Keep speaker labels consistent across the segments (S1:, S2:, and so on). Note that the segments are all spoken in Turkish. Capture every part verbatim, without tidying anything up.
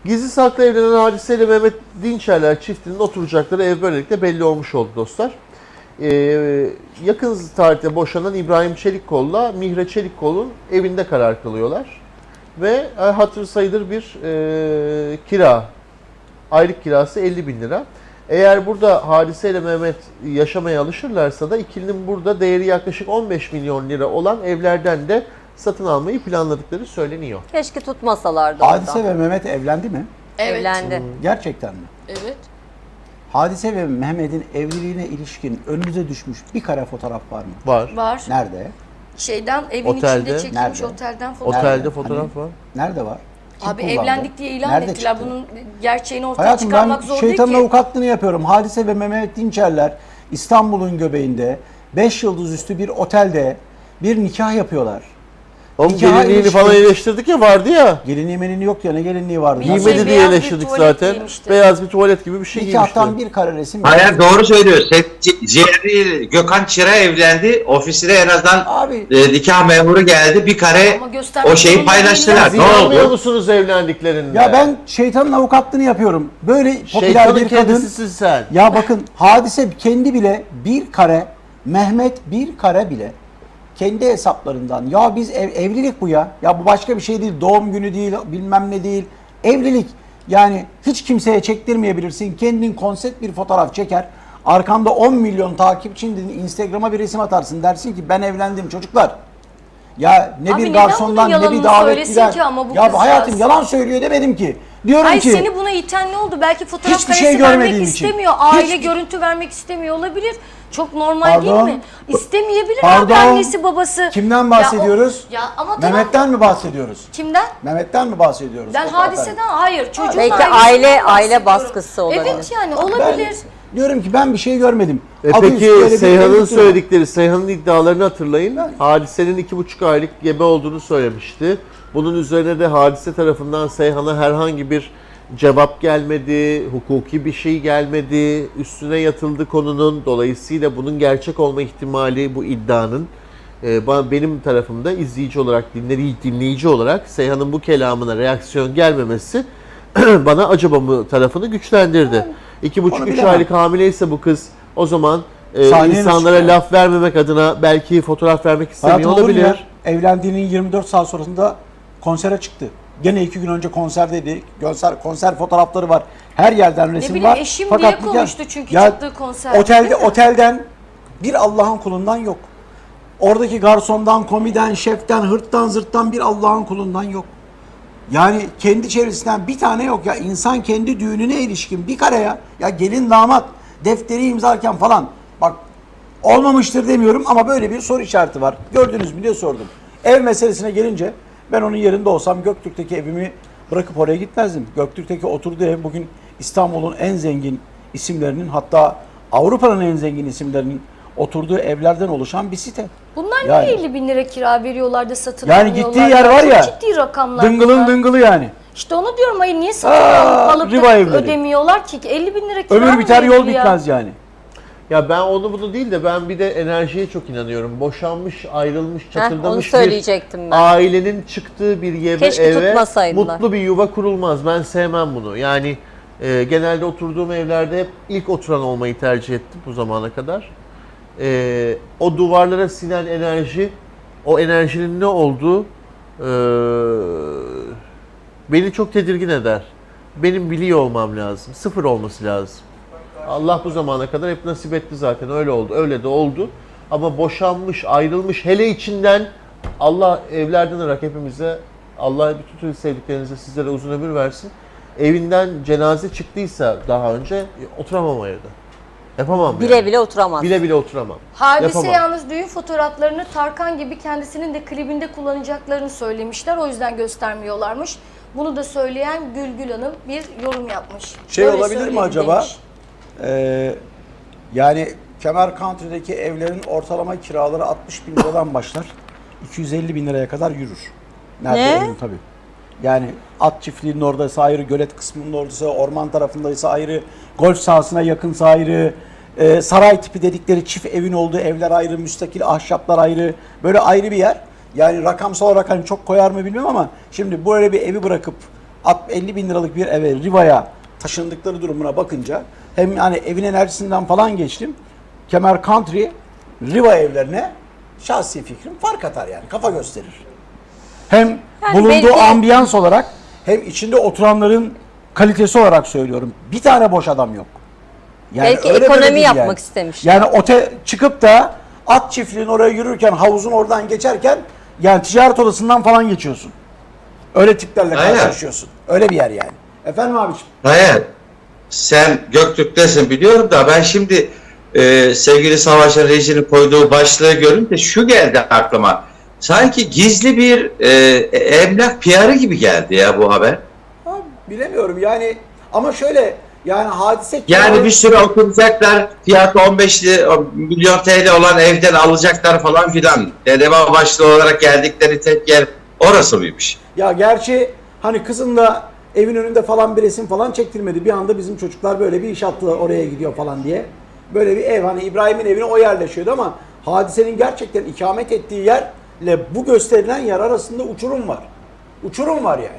S1: Gizli saklı evlenen Hadise ile Mehmet Dinçerler çiftinin oturacakları ev böylelikle belli olmuş oldu dostlar. Ee, yakın tarihte boşanan İbrahim Çelikkol'la Mihre Çelikkol'un evinde karar kılıyorlar. Ve hatırı sayılır bir e, kira, aylık kirası elli bin lira. Eğer burada Hadise ile Mehmet yaşamaya alışırlarsa da ikilinin burada değeri yaklaşık on beş milyon lira olan evlerden de satın almayı planladıkları söyleniyor.
S2: Keşke tutmasalardı
S3: Hadise
S2: orada.
S3: ve Mehmet evlendi mi?
S4: Evet.
S2: Evlendi.
S3: Gerçekten mi?
S4: Evet.
S3: Hadise ve Mehmet'in evliliğine ilişkin önünüze düşmüş bir kare fotoğraf var mı?
S1: Var.
S4: Var.
S3: Nerede?
S4: Şeyden evin
S1: Otelde.
S4: içinde çekilmiş
S3: Nerede?
S4: otelden fotoğraf.
S1: Otelde
S3: Nerede?
S1: fotoğraf
S3: Hani-
S1: var.
S3: Nerede var? Kim
S4: Abi
S3: kullandı?
S4: evlendik diye ilan
S3: Nerede
S4: ettiler.
S3: çıktı?
S4: Bunun gerçeğini ortaya
S3: Hayatım ben
S4: çıkarmak zor değil
S3: şeytanın
S4: ki.
S3: avukatlığını yapıyorum. Hadise ve Mehmet Dinçerler İstanbul'un göbeğinde beş yıldız üstü bir otelde bir nikah yapıyorlar.
S1: Oğlum
S3: Nikaha
S1: gelinliğini
S3: ilişkin-
S1: falan eleştirdik ya, vardı ya.
S3: Gelinliği menini yok ya, ne gelinliği vardı?
S4: Giymedi
S1: Giymedi
S4: Şey,
S1: diye
S4: beyaz bir
S1: eleştirdik
S4: tuvalet
S1: zaten.
S4: giymişti.
S1: Beyaz bir tuvalet gibi bir şey giymişti.
S3: Nikahtan bir kare resim.
S5: Hayır, doğru söylüyor. Set, ciğeri Gökhan Çıra evlendi. Ofisine en azından
S3: Abi-
S5: e, nikah memuru geldi. Bir kare
S4: Ama göstermek
S5: o şeyi
S4: zorunda
S5: paylaştılar.
S1: Siz
S5: Ne
S1: inanmıyor
S5: oldu?
S1: musunuz evlendiklerinde?
S3: Ya ben şeytanın avukatlığını yapıyorum. Böyle popüler
S1: Şeytanın
S3: bir kadın.
S1: kendisisin sen.
S3: Ya bakın Hadise kendi bile bir kare, Mehmet bir kare bile kendi hesaplarından, ya biz ev, evlilik bu ya. Ya bu başka bir şey değil. Doğum günü değil, bilmem ne değil. Evlilik. Yani hiç kimseye çektirmeyebilirsin. Kendin konsept bir fotoğraf çeker. Arkamda on milyon takipçinin Instagram'a bir resim atarsın. Dersin ki ben evlendim çocuklar. Ya ne
S4: Abi
S3: bir
S4: neden
S3: garsondan
S4: bunun
S3: ne bir
S4: yalanını
S3: davetliden.
S4: söylesin ki ama bu
S3: Ya
S4: kızcağız?
S3: hayatım yalan söylüyor demedim ki. Diyorum
S4: Ay
S3: ki
S4: seni buna iten ne oldu? Belki fotoğraf
S3: Hiçbir
S4: karesi
S3: şey
S4: vermek
S3: görmediğim için.
S4: istemiyor. Aile
S3: Hiç-
S4: görüntü vermek istemiyor olabilir. Çok normal
S3: Pardon.
S4: değil mi? İstemeyebilir
S3: Pardon.
S4: abi, annesi babası.
S3: Kimden bahsediyoruz?
S4: Ya, o- ya ama tamam.
S3: Mehmet'ten mi bahsediyoruz?
S4: Kimden?
S3: Mehmet'ten mi bahsediyoruz?
S4: Ben
S3: Fotoğraf
S4: hadiseden hayır. Çocuğun
S2: Belki
S4: ailesinden
S2: aile-
S4: bahsediyorum.
S2: aile baskısı olabilir.
S4: Evet yani
S3: Ben
S4: olabilir.
S3: diyorum ki ben bir şey görmedim.
S1: E
S3: Adı üstü
S1: peki
S3: böyle bir
S1: Seyhan'ın
S3: evlilik yok.
S1: söyledikleri, Seyhan'ın iddialarını hatırlayın. Hadise'nin iki buçuk aylık gebe olduğunu söylemişti. Bunun üzerine de Hadise tarafından Seyhan'a herhangi bir cevap gelmedi, hukuki bir şey gelmedi, üstüne yatıldı konunun. Dolayısıyla bunun gerçek olma ihtimali, bu iddianın e, benim tarafımda izleyici olarak, dinleyici, dinleyici olarak Seyhan'ın bu kelamına reaksiyon gelmemesi bana acaba mı tarafını güçlendirdi. İki buçuk
S3: Onu
S1: üç
S3: bilemem.
S1: aylık hamileyse bu kız, o zaman e,
S3: Sahneye
S1: insanlara
S3: nasıl çıkıyor?
S1: laf vermemek adına belki fotoğraf vermek istemiyor
S3: Hayatım olur mu ya?
S1: olabilir.
S3: Evlendiğinin yirmi dört saat sonrasında konsere çıktı. Gene iki gün önce konserdeydi. Konser, konser fotoğrafları var. Her yerden resim
S4: bileyim,
S3: var.
S4: eşim
S3: Fakat
S4: diye
S3: nikah-
S4: konuştu çünkü
S3: Ya,
S4: çıktığı konserde,
S3: Otelde,
S4: değil mi?
S3: otelden bir Allah'ın kulundan yok. Oradaki garsondan, komiden, şeften, hırttan, zırttan bir Allah'ın kulundan yok. Yani kendi çevresinden bir tane yok ya. İnsan kendi düğününe ilişkin bir kare ya. Ya gelin damat defteri imzarken falan. Bak olmamıştır demiyorum ama böyle bir soru işareti var. Gördünüz mü diye sordum. Ev meselesine gelince ben onun yerinde olsam Göktürk'teki evimi bırakıp oraya gitmezdim. Göktürk'teki oturduğu ev bugün İstanbul'un en zengin isimlerinin, hatta Avrupa'nın en zengin isimlerinin oturduğu evlerden oluşan bir site.
S4: Bunlar
S3: Yani-
S4: niye elli bin lira kira veriyorlar da satın
S3: Yani
S4: almıyorlar?
S3: gittiği yer var ya,
S4: Çok ciddi rakamlar
S3: Dıngılın
S4: bunlar.
S3: dıngılı yani.
S4: İşte onu diyorum, hayır niye satın
S3: Aa,
S4: alıp
S3: riba
S4: da
S3: evleri.
S4: ödemiyorlar ki? elli bin lira kira
S3: Ömür
S4: mı
S3: biter yol
S4: verilir ya?
S3: bitmez yani.
S1: Ya ben onu bunu değil de ben bir de enerjiye çok inanıyorum. Boşanmış, ayrılmış, çatırdamış
S2: onu
S1: bir
S2: söyleyecektim ben.
S1: ailenin çıktığı bir yeve,
S2: Keşke
S1: eve
S2: tutmasaydılar.
S1: mutlu bir yuva kurulmaz. Ben sevmem bunu. Yani e, genelde oturduğum evlerde hep ilk oturan olmayı tercih ettim bu zamana kadar. E, o duvarlara sinen enerji, o enerjinin ne olduğu e, beni çok tedirgin eder. Benim biliyor olmam lazım. Sıfır olması lazım. Allah bu zamana kadar hep nasip etti zaten. Öyle oldu. Öyle de oldu. Ama boşanmış, ayrılmış, hele içinden Allah evlerden olarak hepimize, Allah bütün sevdiklerinize, sizlere uzun ömür versin. Evinden cenaze çıktıysa daha önce oturamam o evde. Yapamam.
S2: Bile
S1: yani.
S2: bile oturamaz.
S1: Bile bile oturamam.
S4: Hadise
S1: Yapamam.
S4: yalnız düğün fotoğraflarını Tarkan gibi kendisinin de klibinde kullanacaklarını söylemişler. O yüzden göstermiyorlarmış. Bunu da söyleyen Gülgül Hanım bir yorum yapmış.
S3: Şey
S4: Böyle
S3: olabilir mi
S4: söyledi
S3: acaba?
S4: demiş.
S3: Ee, yani Kemer Country'deki evlerin ortalama kiraları altmış bin liradan başlar. iki yüz elli bin liraya kadar yürür. Nerede
S2: Ne?
S3: emin tabii. Yani at çiftliğinin oradaysa ayrı, gölet kısmının oradaysa, orman tarafındaysa ayrı, golf sahasına yakınsa ayrı, e, saray tipi dedikleri çift evin olduğu evler ayrı, müstakil ahşaplar ayrı, böyle ayrı bir yer. Yani rakamsal olarak hani çok koyar mı bilmem ama şimdi böyle bir evi bırakıp elli bin liralık bir eve Riva'ya taşındıkları durumuna bakınca hem yani evin enerjisinden falan geçtim. Kemer Country Riva evlerine şahsi fikrim fark atar yani kafa gösterir. Hem
S2: Yani
S3: bulunduğu
S2: belki-
S3: ambiyans olarak hem içinde oturanların kalitesi olarak söylüyorum. Bir tane boş adam yok. Yani
S2: Belki
S3: öyle
S2: ekonomi
S3: böyle değil
S2: yapmak
S3: yani.
S2: istemiş.
S3: Yani ote çıkıp da at çiftliğin oraya yürürken havuzun oradan geçerken yani ticaret odasından falan geçiyorsun. Öyle tiplerle
S5: Aynen.
S3: karşılaşıyorsun. Öyle bir yer yani. Efendim abiciğim.
S5: Hayır. Sen Göktürk'tesin biliyorum da ben şimdi e, sevgili Savaş'ın rejinin koyduğu başlığı görünce şu geldi aklıma. Sanki gizli bir e, emlak P R'ı gibi geldi ya bu haber.
S3: Ha, bilemiyorum yani ama şöyle yani hadise
S5: Yani bir süre oturacaklar, fiyatı on beş milyon T L olan evden alacaklar falan filan. Dedeme başlı olarak geldikleri tek yer orası mıymış?
S3: Ya gerçi hani kızın da evin önünde falan bir resim falan çektirmedi. Bir anda bizim çocuklar böyle bir iş attılar oraya gidiyor falan diye. Böyle bir ev hani İbrahim'in evine o yerleşiyordu ama hadisenin gerçekten ikamet ettiği yerle bu gösterilen yer arasında uçurum var. Uçurum var yani.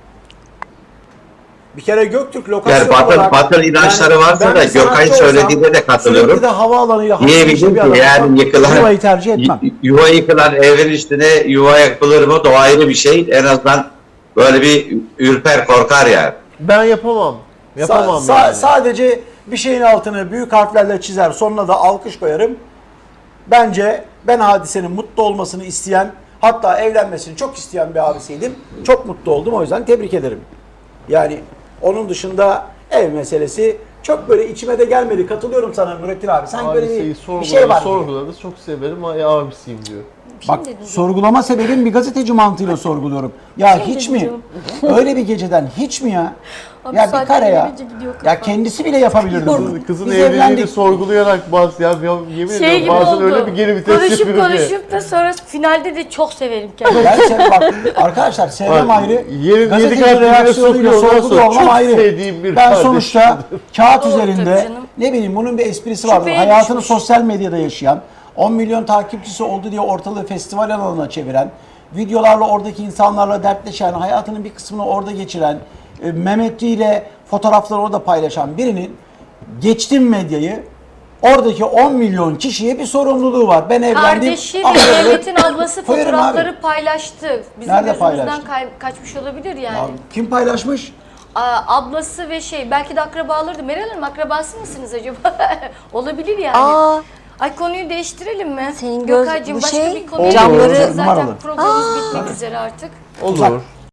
S3: Bir kere Göktürk lokasyon
S5: Yani batıl,
S3: olarak...
S5: batıl inançları
S3: yani
S5: varsa
S3: ben
S5: da
S3: bir sanatçı
S5: Gökay'ın
S3: olsam
S5: söylediğine de katılıyorum.
S3: Sürekli de havaalanıyla
S5: Niye
S3: haşır neşir
S5: bildim
S3: bir
S5: ki
S3: adam
S5: yani
S3: olsam
S5: yıkılan,
S3: Riva'yı tercih etmem.
S5: y- yuva yıkılan evin üstüne yuva yapılır mı? O ayrı bir şey. En azından böyle bir ürper korkar yani.
S1: Ben yapamam. Yapamam
S3: Sa- sa-
S1: yani.
S3: Sadece bir şeyin altını büyük harflerle çizer, sonuna da alkış koyarım. Bence ben hadisenin mutlu olmasını isteyen, hatta evlenmesini çok isteyen bir abisiydim. Çok mutlu oldum, o yüzden tebrik ederim. Yani onun dışında ev meselesi çok böyle içime de gelmedi. Katılıyorum sana Nurettin abi. Sanki böyle
S1: Hadiseyi
S3: bir, bir
S1: sorguladı,
S3: şey var. gibi.
S1: sorguladı. Çok severim. Ay abisiyim diyor.
S3: Bak sorgulama sebebim bir gazeteci mantığıyla sorguluyorum. Ya
S4: Kim
S3: hiç
S4: dedi
S3: mi? Öyle bir geceden hiç mi ya?
S4: Abi
S3: ya bir
S4: saatler
S3: kare ya.
S4: gelince gidiyor
S3: Ya
S4: kafa.
S3: kendisi bile yapabilirdi bunu.
S1: Kızın, kızın
S3: Biz
S1: evliliğini
S3: evlendik.
S1: sorgulayarak bazı ya, ya yemin
S4: Şey
S1: ediyorum
S4: gibi
S1: bazen
S4: oldu.
S1: öyle bir geri vites
S4: konuşup
S1: yapıyor ki.
S4: konuşup da sonra finalde de çok severim kendimi.
S3: Ben sev, bak arkadaşlar sevmem
S1: Bak,
S3: ayrı.
S1: yerin yedi
S3: Gazeteci
S1: kat dibine
S3: reaksiyonuyla
S1: sokuyor, ondan
S3: sorguluyor
S1: sonra
S3: olmam
S1: çok
S3: ayrı.
S1: sevdiğim bir
S3: Ben
S1: kardeşim.
S3: sonuçta kağıt
S4: Doğrudur
S3: üzerinde
S4: canım.
S3: ne bileyim bunun bir esprisi vardır.
S4: Şüpheye
S3: Hayatını
S4: düşmüş.
S3: sosyal medyada yaşayan, on milyon takipçisi oldu diye ortalığı festival alanına çeviren, videolarla oradaki insanlarla dertleşen, hayatının bir kısmını orada geçiren, e, Mehmetçi ile fotoğrafları orada paylaşan birinin geçtim medyayı oradaki on milyon kişiye bir sorumluluğu var. Ben evlendim.
S4: Kardeşi
S3: ah,
S4: ve
S3: evet.
S4: Mehmet'in ablası
S3: Koyarım
S4: fotoğrafları
S3: abi.
S4: paylaştı. Bizim
S3: Nerede
S4: gözümüzden
S3: paylaştı?
S4: kay- kaçmış olabilir yani.
S3: Ya kim paylaşmış?
S4: Aa, ablası ve şey belki de akrabaları da. Meral Hanım akrabası mısınız acaba? Olabilir yani.
S2: Aa,
S4: Ay konuyu değiştirelim mi?
S2: Senin göz-
S4: Gökaycığım
S2: bu
S4: başka
S2: şey,
S4: bir konuya
S1: camları
S4: geçelim. Zaten
S3: numaralı.
S4: programımız bitmek üzere artık.
S1: Olur.
S3: Uzak.